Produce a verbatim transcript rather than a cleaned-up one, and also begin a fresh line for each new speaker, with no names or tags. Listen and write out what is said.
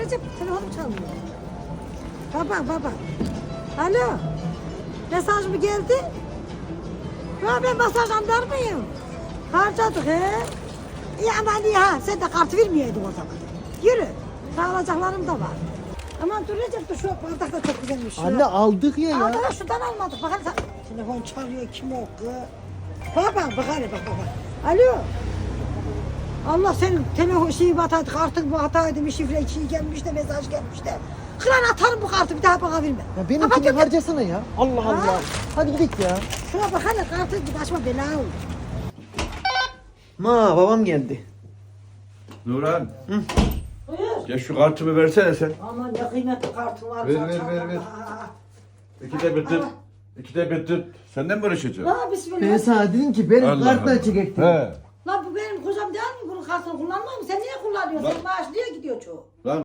Recep telefonum çalmıyor. Baba baba. Alo. Mesaj mı geldi? Ya ben masaj anlar mıyım? Harcadık he. İyi aman iyi ha. Sen de kartı vermeyeydin o zaman. Yürü. Sağlayacaklarım da var. Aman dur Recep dur şu bardak da çok güzelmiş.
Anne aldık ya ya.
Aa, şuradan almadık. Bak hadi sen. Telefon çalıyor kim o kız? Bak bak bak hadi bak bak. bak. Alo. Allah senin telefon şeyi bataydı, kartın bu hataydı, bir şifre şey gelmiş de mesaj gelmiş de. Kıran atarım bu kartı bir daha bana verme.
Ya benimkini
Kapat,
harcasana ya. Allah
Ha?
Allah. Hadi gidelim ya.
Şuna bak hele kartı bir başıma bela olur.
Ma babam geldi.
Nurhan,
Buyur.
ya şu kartımı versene sen.
Aman ne kıymetli kartın var.
Ver, ver, ver, ver. İkide bir tut. İkide bir tut. Senden mi uğraşacağım?
La bismillah.
Ben sana dedim ki benim
Allah
kartla
Allah.
çekecektim.
He.
La bu benim kocam değil mi? Bunun kartını kullanmam mı? Sen niye kullanıyorsun?
Lan-
Sen maaş niye gidiyor çoğu?
Lan